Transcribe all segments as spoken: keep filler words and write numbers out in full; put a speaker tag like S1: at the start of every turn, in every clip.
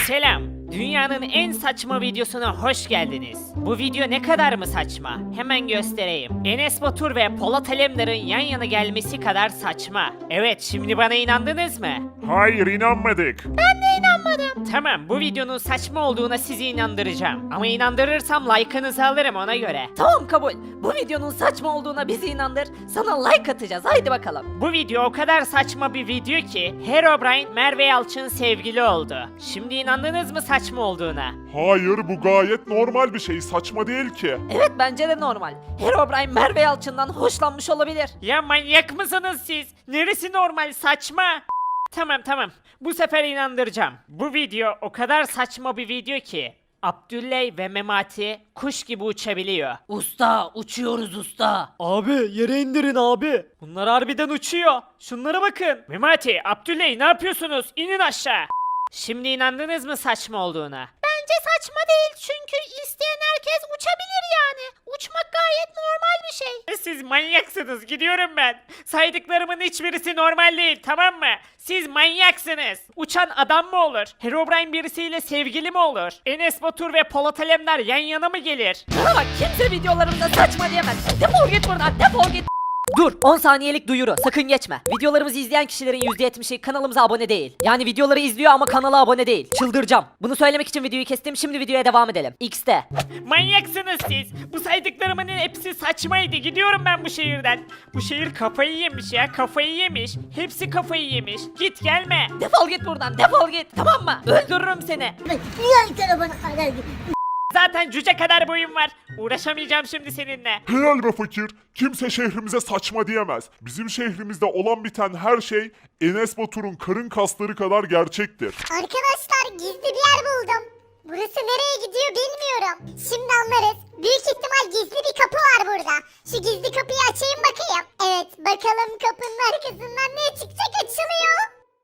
S1: Selam. Dünyanın en saçma videosuna hoş geldiniz. Bu video ne kadar mı saçma? Hemen göstereyim. Enes Batur ve Polat Alemdar'ın yan yana gelmesi kadar saçma. Evet, şimdi bana inandınız mı?
S2: Hayır, inanmadık.
S1: Ben de inanmadım. Tamam, bu videonun saçma olduğuna sizi inandıracağım. Ama inandırırsam like'ınızı alırım ona göre.
S3: Tamam kabul. Bu videonun saçma olduğuna bizi inandır. Sana like atacağız. Haydi bakalım.
S1: Bu video o kadar saçma bir video ki Herobrine Merve Yalçın sevgili oldu. Şimdi inandınız mı saçma olduğuna?
S2: Hayır, bu gayet normal bir şey, saçma değil ki.
S3: Evet bence de normal. Herobrine Merve Yalçın'dan hoşlanmış olabilir.
S1: Ya manyak mısınız siz? Neresi normal, saçma? Tamam tamam, bu sefer inandıracağım. Bu video o kadar saçma bir video ki Abdülley ve Memati kuş gibi uçabiliyor.
S3: Usta uçuyoruz usta.
S1: Abi yere indirin abi. Bunlar harbiden uçuyor. Şunlara bakın. Memati, Abdülley ne yapıyorsunuz? İnin aşağı. Şimdi inandınız mı saçma olduğuna?
S3: Bence saçma değil çünkü isteyen herkes uçabilir yani. Uçmak gayet normal bir şey.
S1: Siz manyaksınız, gidiyorum ben. Saydıklarımın hiçbirisi normal değil, tamam mı? Siz manyaksınız. Uçan adam mı olur? Herobrine birisiyle sevgili mi olur? Enes Batur ve Polat Alemdar yan yana mı gelir?
S3: Bana bak kimse videolarımda saçma diyemez. Defol git buradan defol git. Dur on saniyelik duyuru sakın geçme. Videolarımızı izleyen kişilerin yüzde yetmişi kanalımıza abone değil. Yani videoları izliyor ama kanala abone değil. Çıldıracağım. Bunu söylemek için videoyu kestim, şimdi videoya devam edelim. X'te.
S1: Manyaksınız siz. Bu saydıklarımın hepsi saçmaydı. Gidiyorum ben bu şehirden. Bu şehir kafayı yemiş ya, kafayı yemiş. Hepsi kafayı yemiş. Git gelme.
S3: Defol git buradan defol git tamam mı? Öldürürüm seni.
S4: Niye telefonu kadar
S1: Zaten cüce kadar boyum var. Uğraşamayacağım şimdi seninle.
S2: Helal be fakir, kimse şehrimize saçma diyemez. Bizim şehrimizde olan biten her şey Enes Batur'un karın kasları kadar gerçektir.
S4: Arkadaşlar gizli bir yer buldum. Burası nereye gidiyor bilmiyorum. Şimdi anlarız. Büyük ihtimal gizli bir kapı var burada. Şu gizli kapıyı açayım bakayım. Evet bakalım kapının arkasından ne çıkacak, açılıyor.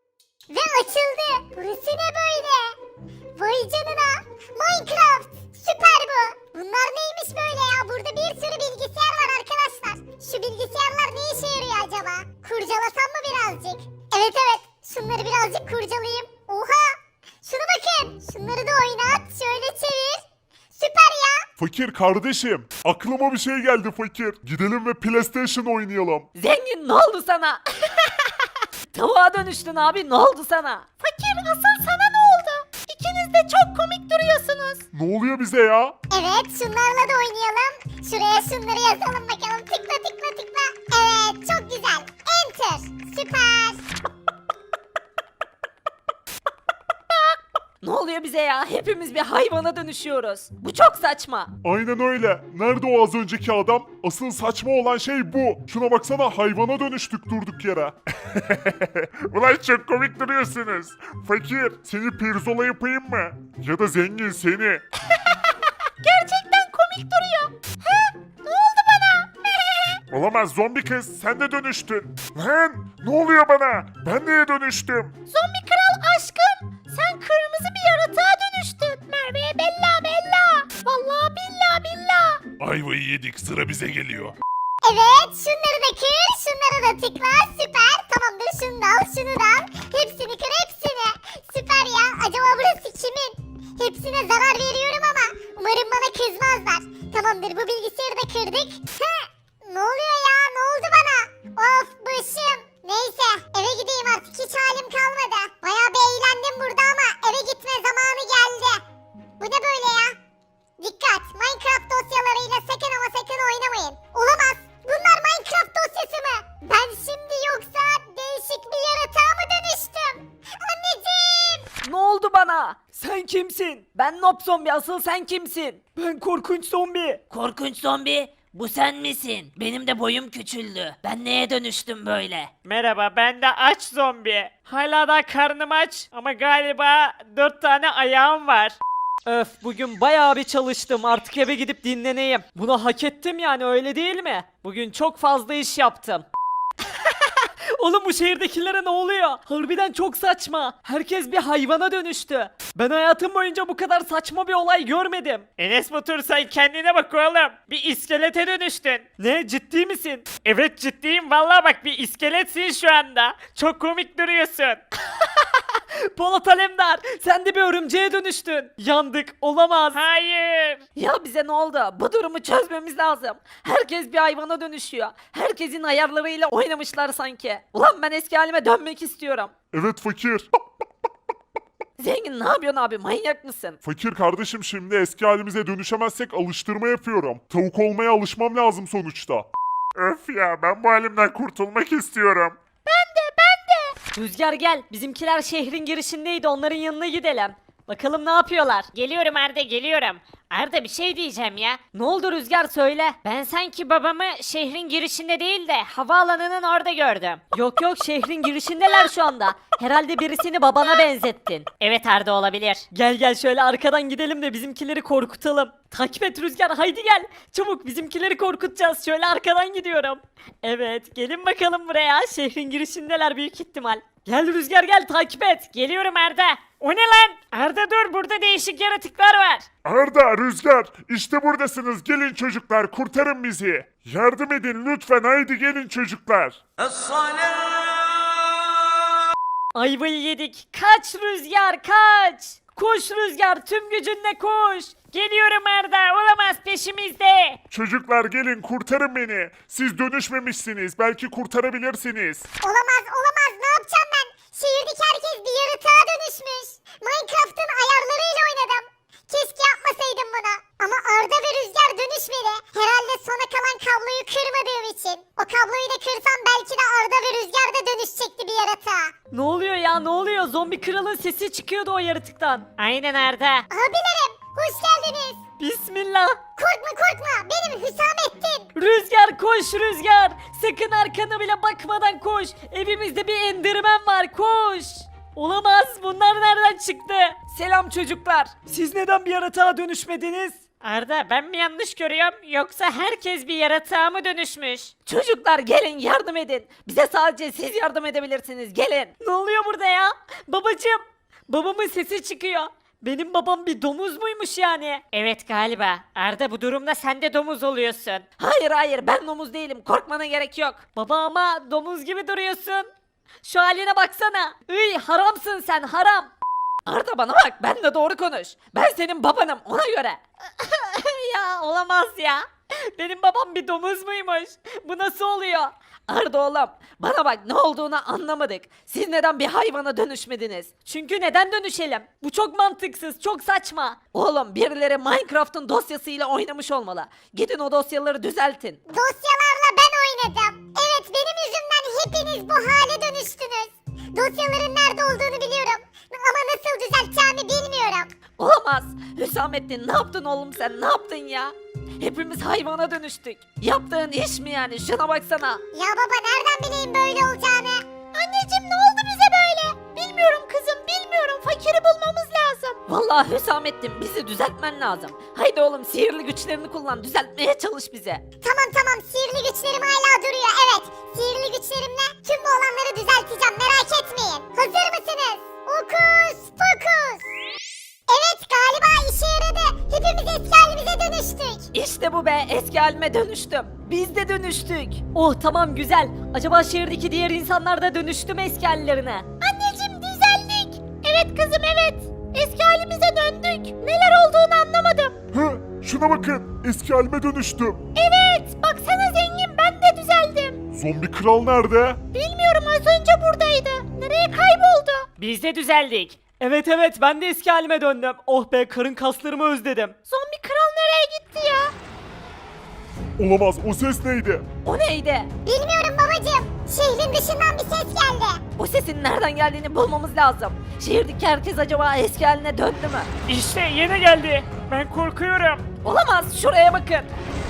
S4: Ve açıldı. Burası ne böyle? Vay canına. Minecraft. Süper bu. Bunlar neymiş böyle ya? Burada bir sürü bilgisayar var arkadaşlar. Şu bilgisayarlar ne işe yarıyor acaba? Kurcalasam mı birazcık? Evet evet. Şunları birazcık kurcalayayım. Oha. Şuna bakın. Şunları da oynat. Şöyle çevir. Süper ya.
S2: Fakir kardeşim, aklıma bir şey geldi fakir. Gidelim ve PlayStation oynayalım.
S3: Zengin ne oldu sana? Tavuğa dönüştün abi ne oldu sana? Fakir asıl sana ne oldu? İkiniz de çok komik duruyorsunuz.
S2: Ne oluyor bize ya?
S4: Evet şunlarla da oynayalım. Şuraya şunları yazalım bakalım. Tıkla tıkla tıkla. Evet çok güzel. Enter. Süper.
S3: Ne oluyor bize ya? Hepimiz bir hayvana dönüşüyoruz. Bu çok saçma.
S2: Aynen öyle. Nerede o az önceki adam? Asıl saçma olan şey bu. Şuna baksana, hayvana dönüştük durduk yere. Ulan çok komik duruyorsunuz. Fakir, seni pirzola yapayım mı? Ya da zengin seni.
S3: Gerçekten komik duruyor. He? Ne oldu bana?
S2: Olamaz zombi kız, sen de dönüştün. Lan ne oluyor bana? Ben neye dönüştüm?
S3: Zombi kral aşkım. Sen kırmızı bir yaratığa dönüştün. Merve'ye bella bella. Vallahi billa billa.
S2: Ayvayı yedik, sıra bize geliyor.
S4: Evet şunları da kır. Şunlara da tıkla. Süper. Tamamdır şunu da al şunu da al. Hepsini kır hepsini. Süper ya. Acaba burası kimin? Hepsine zarar veriyorum ama umarım bana kızmazlar. Tamamdır bu bilgisayarı da kırdık. Hı, ne oluyor ya? Ne oldu bana? Of başım. Neyse eve gideyim artık, hiç halim kalmadı. Bayağı bir eğlendim burada ama eve gitme zamanı geldi. Bu ne böyle ya? Dikkat! Minecraft dosyalarıyla sakın ama sakın oynamayın. Olamaz! Bunlar Minecraft dosyası mı? Ben şimdi yoksa değişik bir yaratığa mı dönüştüm? Anneciğim!
S3: Ne oldu bana? Sen kimsin? Ben Nob Zombi, asıl sen kimsin? Ben korkunç zombi. Korkunç zombi? Bu sen misin? Benim de boyum küçüldü. Ben neye dönüştüm böyle?
S1: Merhaba, ben de aç zombi. Hala da karnım aç ama galiba dört tane ayağım var. Öf, bugün bayağı bir çalıştım, artık eve gidip dinleneyim. Bunu hak ettim yani, öyle değil mi? Bugün çok fazla iş yaptım. Oğlum bu şehirdekilere ne oluyor? Harbiden çok saçma. Herkes bir hayvana dönüştü. Ben hayatım boyunca bu kadar saçma bir olay görmedim. Enes Batur sen kendine bak oğlum. Bir iskelete dönüştün. Ne, ciddi misin? Evet ciddiyim vallahi, bak bir iskeletsin şu anda. Çok komik duruyorsun. Polat Alemdar sen de bir örümceğe dönüştün. Yandık olamaz. Hayır.
S3: Ya bize ne oldu? Bu durumu çözmemiz lazım. Herkes bir hayvana dönüşüyor. Herkesin ayarlarıyla oynamışlar sanki. Ulan ben eski halime dönmek istiyorum.
S2: Evet fakir.
S3: Zengin ne yapıyorsun abi? Manyak mısın?
S2: Fakir kardeşim şimdi eski halimize dönüşemezsek alıştırma yapıyorum. Tavuk olmaya alışmam lazım sonuçta. Öf ya ben bu halimden kurtulmak istiyorum.
S3: Rüzgar gel. Bizimkiler şehrin girişindeydi. Onların yanına gidelim. Bakalım ne yapıyorlar?
S1: Geliyorum Arda geliyorum. Arda bir şey diyeceğim ya.
S3: Ne oldu Rüzgar söyle.
S1: Ben sanki babamı şehrin girişinde değil de havaalanının orada gördüm.
S3: Yok yok şehrin girişindeler şu anda. Herhalde birisini babana benzettin.
S1: Evet Arda olabilir.
S3: Gel gel şöyle arkadan gidelim de bizimkileri korkutalım. Takip et Rüzgar haydi gel. Çabuk bizimkileri korkutacağız. Şöyle arkadan gidiyorum. Evet gelin bakalım buraya. Şehrin girişindeler büyük ihtimal. Gel Rüzgar gel takip et.
S1: Geliyorum Arda. O ne lan? Arda dur burada değişik yaratıklar var.
S2: Arda, Rüzgar işte buradasınız gelin çocuklar kurtarın bizi. Yardım edin lütfen haydi gelin çocuklar.
S3: Ayvayı yedik. Kaç Rüzgar kaç. Koş Rüzgar tüm gücünle koş.
S1: Geliyorum Arda olamaz peşimizde.
S2: Çocuklar gelin kurtarın beni. Siz dönüşmemişsiniz belki kurtarabilirsiniz.
S4: Olamaz olamaz ne yapacağım ben? Şehirdeki herkes bir yaratığa dönüşmüş. Minecraft'ın ayarlarıyla oynadım. Keşke yapmasaydım bunu. Ama Arda ve Rüzgar dönüşmedi. Herhalde sona kalan kabloyu kırmadığım için. O kabloyu da kırsam belki de Arda ve Rüzgar da dönüşecekti bir yaratığa.
S3: Ne oluyor ya ne oluyor? Zombi kralın sesi çıkıyordu o yaratıktan.
S1: Aynen Arda.
S4: Abilerim hoş geldiniz.
S3: Bismillah.
S4: Korkma korkma benim Hüsamettin.
S3: Rüzgar koş Rüzgar. Sakın arkana bile bakmadan koş. Evimizde bir endirmen var koş. Olamaz bunlar nereden çıktı? Selam çocuklar. Siz neden bir yaratığa dönüşmediniz?
S1: Arda ben mi yanlış görüyorum yoksa herkes bir yaratığa mı dönüşmüş?
S3: Çocuklar gelin yardım edin. Bize sadece siz yardım edebilirsiniz gelin. Ne oluyor burada ya? Babacım. Babamın sesi çıkıyor. Benim babam bir domuz muymuş yani?
S1: Evet galiba. Arda bu durumda sen de domuz oluyorsun.
S3: Hayır hayır ben domuz değilim korkmana gerek yok. Baba ama domuz gibi duruyorsun. Şu haline baksana. Iy haramsın sen haram. Arda bana bak ben de doğru konuş. Ben senin babanım ona göre. Ya olamaz ya. Benim babam bir domuz muymuş? Bu nasıl oluyor? Arda oğlum bana bak ne olduğunu anlamadık. Siz neden bir hayvana dönüşmediniz? Çünkü neden dönüşelim? Bu çok mantıksız, çok saçma. Oğlum birileri Minecraft'ın dosyasıyla oynamış olmalı. Gidin o dosyaları düzeltin.
S4: Dosyalarla ben oynadım. Evet benim yüzümden hepiniz bu hale dönüştünüz. Dosyaların nerede olduğunu biliyorum. Ama nasıl düzelteceğimi bilmiyorum.
S3: Olamaz. Hüsamettin ne yaptın oğlum sen ne yaptın ya? Hepimiz hayvana dönüştük. Yaptığın iş mi yani şuna baksana.
S4: Ya baba nereden bileyim böyle olacağını? Anneciğim ne oldu bize böyle? Bilmiyorum kızım bilmiyorum. Fakiri bulmamız lazım.
S3: Vallahi Hüsamettin bizi düzeltmen lazım. Haydi oğlum sihirli güçlerini kullan düzeltmeye çalış bize.
S4: Tamam tamam sihirli güçlerim hala duruyor evet. Sihirli güçlerimle tüm bu olanları düzelteceğim merak etmeyin. Hazır mısınız? Okus pokus. Evet galiba işe yaradı. Hepimiz eski halimize dönüştük.
S3: İşte bu be eski halime dönüştüm. Biz de dönüştük. Oh tamam güzel. Acaba şehirdeki diğer insanlar da dönüştü mü eski hallerine?
S4: Anneciğim düzeldik. Evet kızım evet. Eski halimize döndük. Neler olduğunu anlamadım.
S2: Hı, şuna bakın eski halime dönüştüm.
S4: Evet baksana zengin ben de düzeldim.
S2: Zombi kral nerede?
S4: Bilmiyorum az önce buradaydı. Nereye kayboldu?
S1: Biz de düzeldik.
S3: Evet evet ben de eski halime döndüm. Oh be karın kaslarımı özledim.
S4: Zombi kral nereye gitti ya?
S2: Olamaz o ses neydi?
S3: O neydi?
S4: Bilmiyorum babacığım. Şehrin dışından bir ses geldi.
S3: O sesin nereden geldiğini bulmamız lazım. Şehirdeki herkes acaba eski haline döndü mü?
S1: İşte yine geldi. Ben korkuyorum.
S3: Olamaz şuraya bakın.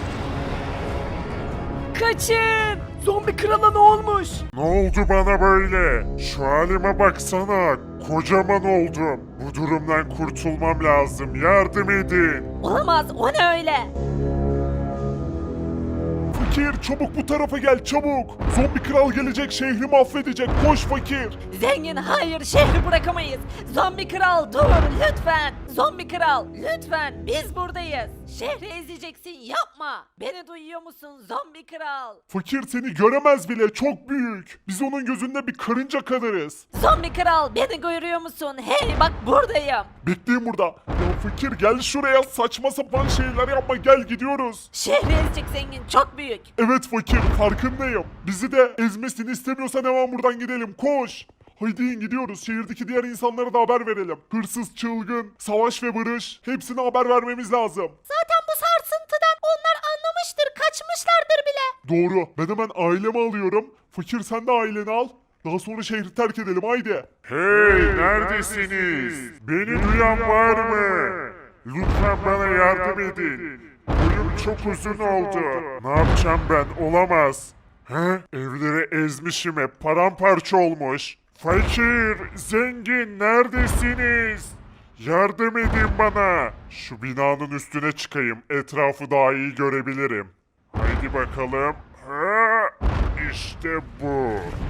S3: Kaçın. Zombi krala ne olmuş?
S2: Ne oldu bana böyle? Şu halime baksana. Kocaman oldum. Bu durumdan kurtulmam lazım. Yardım edin.
S3: Olamaz o ne öyle?
S2: Fakir çabuk bu tarafa gel çabuk. Zombi kral gelecek şehri mahvedecek. Koş fakir.
S3: Zengin hayır şehri bırakamayız. Zombi kral dur lütfen. Zombi kral lütfen biz buradayız. Şehri ezeceksin yapma. Beni duyuyor musun zombi kral?
S2: Fakir seni göremez bile çok büyük. Biz onun gözünde bir karınca kadarız.
S3: Zombi kral beni görüyor musun? Hey bak buradayım.
S2: Bekleyin burada. Ya fakir gel şuraya saçma sapan şeyler yapma gel gidiyoruz.
S3: Şehri ezecek zengin çok büyük.
S2: Evet fakir farkındayım. Bizi de ezmesini istemiyorsan hemen buradan gidelim koş. Haydi in gidiyoruz. Şehirdeki diğer insanlara da haber verelim. Hırsız, çılgın, savaş ve barış hepsine haber vermemiz lazım.
S3: Zaten bu sarsıntıdan onlar anlamıştır kaçmışlardır bile.
S2: Doğru. Ben hemen ailemi alıyorum. Fakir sen de aileni al. Daha sonra şehri terk edelim haydi. Hey neredesiniz? Beni duyan var mı? Lütfen bana yardım edin. Boyum çok uzun oldu. Ne yapacağım ben? Olamaz. He? Evleri ezmişim hep. Paramparça olmuş. Fakir, zengin neredesiniz? Yardım edin bana. Şu binanın üstüne çıkayım. Etrafı daha iyi görebilirim. Haydi bakalım. Ha, işte bu.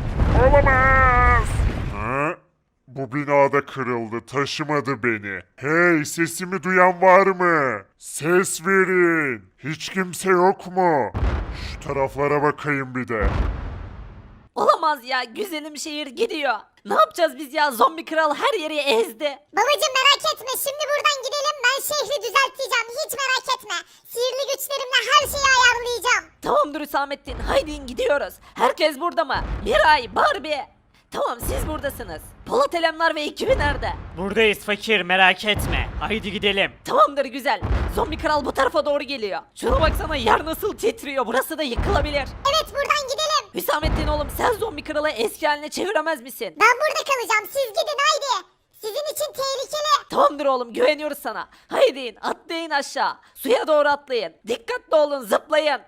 S2: Olamaz. Ha? Bu binada kırıldı, taşımadı beni. Hey, sesimi duyan var mı? Ses verin. Hiç kimse yok mu? Şu taraflara bakayım bir de.
S3: Olamaz ya güzelim şehir gidiyor. Ne yapacağız biz ya zombi kral her yeri ezdi.
S4: Babacım merak etme şimdi buradan gidelim ben şehri düzelteceğim hiç merak etme. Sihirli güçlerimle her şeyi ayarlayacağım.
S3: Tamamdır Hüsamettin haydi gidiyoruz. Herkes burada mı? Miray, Barbie. Tamam siz buradasınız. Polat Alemdar ve ekibi nerede?
S1: Buradayız fakir merak etme. Haydi gidelim.
S3: Tamamdır güzel. Zombi kral bu tarafa doğru geliyor. Şuna baksana yer nasıl titriyor. Burası da yıkılabilir.
S4: Evet buradan gidelim.
S3: Hüsamettin oğlum sen zombi kralı eski haline çeviremez misin?
S4: Ben burada kalacağım siz gidin haydi. Sizin için tehlikeli.
S3: Tamamdır oğlum güveniyoruz sana. Haydi in, atlayın aşağı. Suya doğru atlayın. Dikkatli olun zıplayın.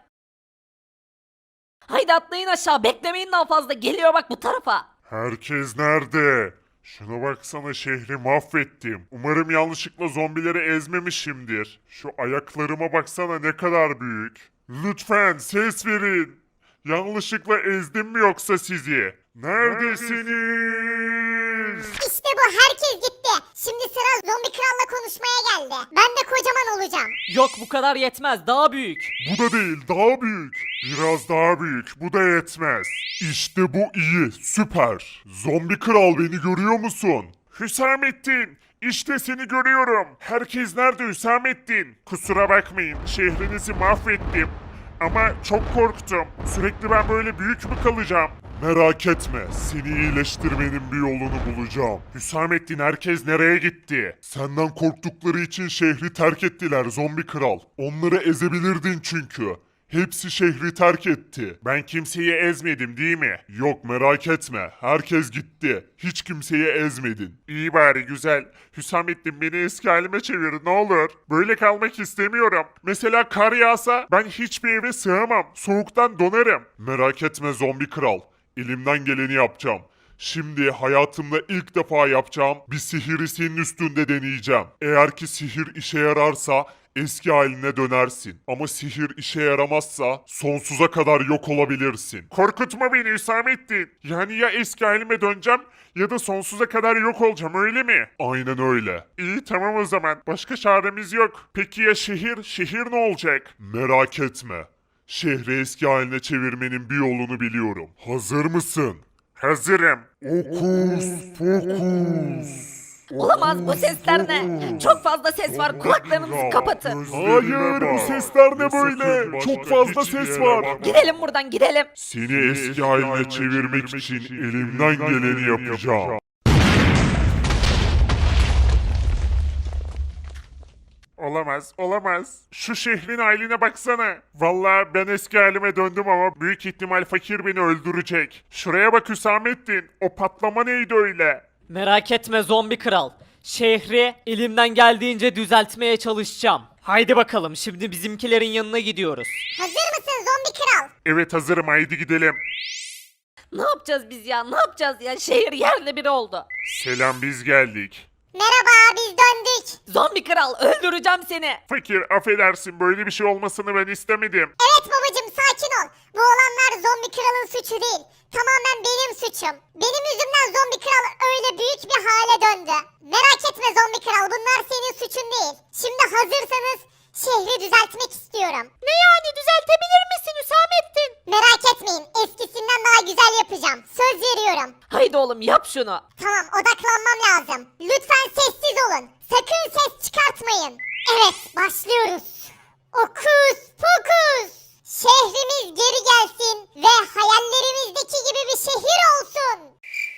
S3: Haydi atlayın aşağı beklemeyin daha fazla. Geliyor bak bu tarafa.
S2: Herkes nerede? Şuna baksana şehri mahvettim. Umarım yanlışlıkla zombileri ezmemişimdir. Şu ayaklarıma baksana ne kadar büyük. Lütfen ses verin. Yanlışlıkla ezdim mi yoksa sizi? Neredesiniz?
S4: İşte bu herkes gitti. Şimdi sıra zombi kralla konuşmaya geldi. Ben de kocaman olacağım.
S1: Yok bu kadar yetmez daha büyük.
S2: Bu da değil, daha büyük. Biraz daha büyük, bu da yetmez. İşte bu iyi, süper. Zombi kral beni görüyor musun? Hüsamettin, işte seni görüyorum. Herkes nerede Hüsamettin? Kusura bakmayın, şehrinizi mahvettim. Ama çok korktum. Sürekli ben böyle büyük mü kalacağım? Merak etme, seni iyileştirmenin bir yolunu bulacağım. Hüsamettin herkes nereye gitti? Senden korktukları için şehri terk ettiler zombi kral. Onları ezebilirdin çünkü. Hepsi şehri terk etti. Ben kimseyi ezmedim değil mi? Yok merak etme. Herkes gitti. Hiç kimseyi ezmedin. İyi bari güzel. Hüsamettin beni eski halime çevir ne olur. Böyle kalmak istemiyorum. Mesela kar yağsa ben hiçbir eve sığamam. Soğuktan donarım. Merak etme zombi kral. Elimden geleni yapacağım. Şimdi hayatımda ilk defa yapacağım bir sihiri senin üstünde deneyeceğim. Eğer ki sihir işe yararsa eski haline dönersin. Ama sihir işe yaramazsa sonsuza kadar yok olabilirsin. Korkutma beni Hüsamettin. Yani ya eski halime döneceğim ya da sonsuza kadar yok olacağım öyle mi? Aynen öyle. İyi tamam o zaman. Başka çaremiz yok. Peki ya şehir? Şehir ne olacak? Merak etme. Şehri eski haline çevirmenin bir yolunu biliyorum. Hazır mısın? Hazırım. Okus pokus.
S3: Olamaz bu sesler ne? Çok fazla ses var kulaklarınızı kapatın.
S2: Hayır bu sesler ne böyle? Çok fazla ses var.
S3: Gidelim buradan gidelim.
S2: Seni eski haline çevirmek için elimden geleni yapacağım. Olamaz, olamaz. Şu şehrin haline baksana. Vallahi ben eski halime döndüm ama büyük ihtimal fakir beni öldürecek. Şuraya bak Hüsamettin. O patlama neydi öyle?
S1: Merak etme zombi kral. Şehri elimden geldiğince düzeltmeye çalışacağım. Haydi bakalım şimdi bizimkilerin yanına gidiyoruz.
S4: Hazır mısın zombi kral?
S2: Evet hazırım haydi gidelim.
S3: Ne yapacağız biz ya ne yapacağız ya şehir yerle bir oldu.
S2: Selam biz geldik.
S4: Merhaba biz döndük.
S3: Zombi kral öldüreceğim seni.
S2: Fakir affedersin böyle bir şey olmasını ben istemedim.
S4: Evet babacım sakin ol. Bu olanlar zombi kralın suçu değil. Tamamen benim suçum. Benim yüzümden zombi kral öyle büyük bir hale döndü. Merak etme zombi kral, bunlar senin suçun değil. Şimdi hazırsanız şehri düzeltmek istiyorum. Ne yani, düzeltebilir misin Hüsamettin? Merak etmeyin, eskisinden daha güzel yapacağım. Söz veriyorum.
S3: Haydi oğlum yap şunu.
S4: Tamam, odaklanmam lazım. Lütfen sessiz olun. Sakın ses çıkartmayın. Evet, başlıyoruz. Okus pokus. Şehrimiz geri gelsin ve hayallerimizdeki gibi bir şehir olsun.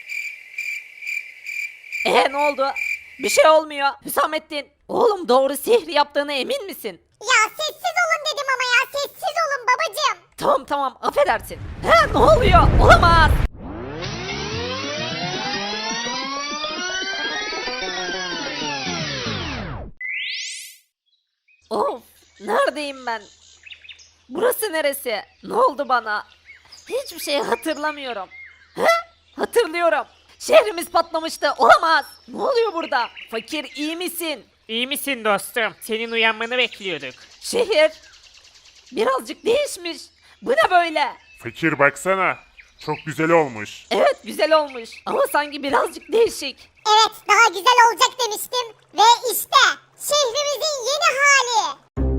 S3: Ee ne oldu? Bir şey olmuyor. Hüsamettin. Oğlum doğru sihir yaptığına emin misin?
S4: Ya sessiz olun dedim ama ya, sessiz olun babacığım.
S3: Tamam tamam affedersin. He ne oluyor? Olamaz. Of neredeyim ben? Burası neresi? Ne oldu bana? Hiçbir şey hatırlamıyorum. He? Hatırlıyorum. Şehrimiz patlamıştı. Olamaz. Ne oluyor burada? Fakir iyi misin?
S1: İyi misin dostum? Senin uyanmanı bekliyorduk.
S3: Şehir birazcık değişmiş. Bu ne böyle?
S2: Fakir baksana. Çok güzel olmuş.
S3: Evet güzel olmuş ama sanki birazcık değişik.
S4: Evet, daha güzel olacak demiştim. Ve işte şehrimizin yeni hali.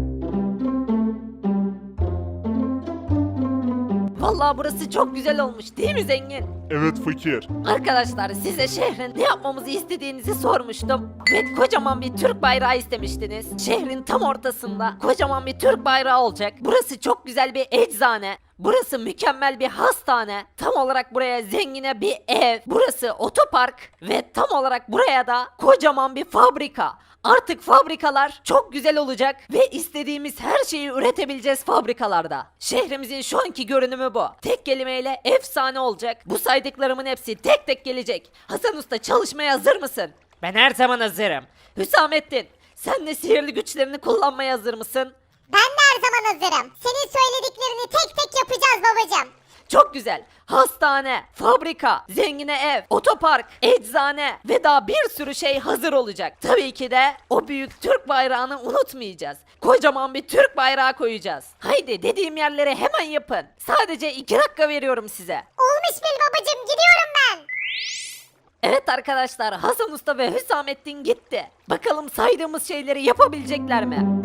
S3: Vallahi burası çok güzel olmuş değil mi zengin?
S2: Evet fakir.
S3: Arkadaşlar size şehrin ne yapmamızı istediğinizi sormuştum. Ve kocaman bir Türk bayrağı istemiştiniz. Şehrin tam ortasında kocaman bir Türk bayrağı olacak. Burası çok güzel bir eczane. Burası mükemmel bir hastane. Tam olarak buraya zengine bir ev. Burası otopark. Ve tam olarak buraya da kocaman bir fabrika. Artık fabrikalar çok güzel olacak ve istediğimiz her şeyi üretebileceğiz fabrikalarda. Şehrimizin şu anki görünümü bu. Tek kelimeyle efsane olacak. Bu saydıklarımın hepsi tek tek gelecek. Hasan Usta çalışmaya hazır mısın?
S1: Ben her zaman hazırım.
S3: Hüsamettin sen de sihirli güçlerini kullanmaya hazır mısın?
S4: Ben de her zaman hazırım. Senin söylediklerini tek tek yapacağız babacığım.
S3: Çok güzel. Hastane, fabrika, zengine ev, otopark, eczane ve daha bir sürü şey hazır olacak. Tabii ki de o büyük Türk bayrağını unutmayacağız. Kocaman bir Türk bayrağı koyacağız. Haydi dediğim yerlere hemen yapın. Sadece iki dakika veriyorum size.
S4: Olmuş bil babacığım, gidiyorum ben.
S3: Evet arkadaşlar Hasan Usta ve Hüsamettin gitti. Bakalım saydığımız şeyleri yapabilecekler mi?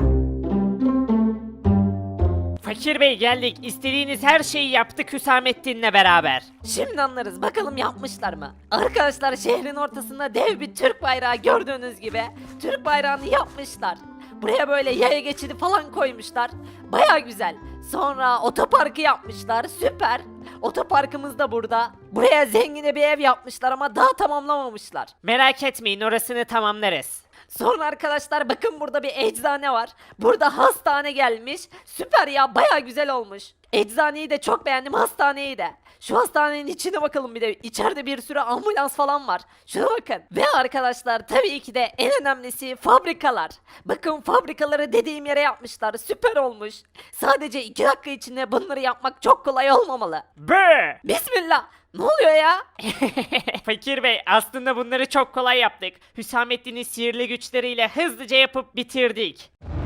S1: Fakir Bey geldik. İstediğiniz her şeyi yaptık Hüsamettin'le beraber.
S3: Şimdi anlarız bakalım yapmışlar mı? Arkadaşlar şehrin ortasında dev bir Türk bayrağı gördüğünüz gibi Türk bayrağını yapmışlar. Buraya böyle yaya geçidi falan koymuşlar. Baya güzel. Sonra otoparkı yapmışlar. Süper. Otoparkımız da burada. Buraya zengine bir ev yapmışlar ama daha tamamlamamışlar.
S1: Merak etmeyin, orasını tamamlarız.
S3: Sonra arkadaşlar bakın burada bir eczane var. Burada hastane gelmiş. Süper ya baya güzel olmuş. Eczaneyi de çok beğendim, hastaneyi de. Şu hastanenin içine bakalım bir de. İçeride bir sürü ambulans falan var. Şuna bakın. Ve arkadaşlar tabii ki de en önemlisi fabrikalar. Bakın fabrikaları dediğim yere yapmışlar. Süper olmuş. Sadece iki dakika içinde bunları yapmak çok kolay olmamalı.
S1: Bı!
S3: Bismillah. Ne oluyor ya?
S1: Fakir Bey aslında bunları çok kolay yaptık. Hüsamettin'in sihirli güçleriyle hızlıca yapıp bitirdik.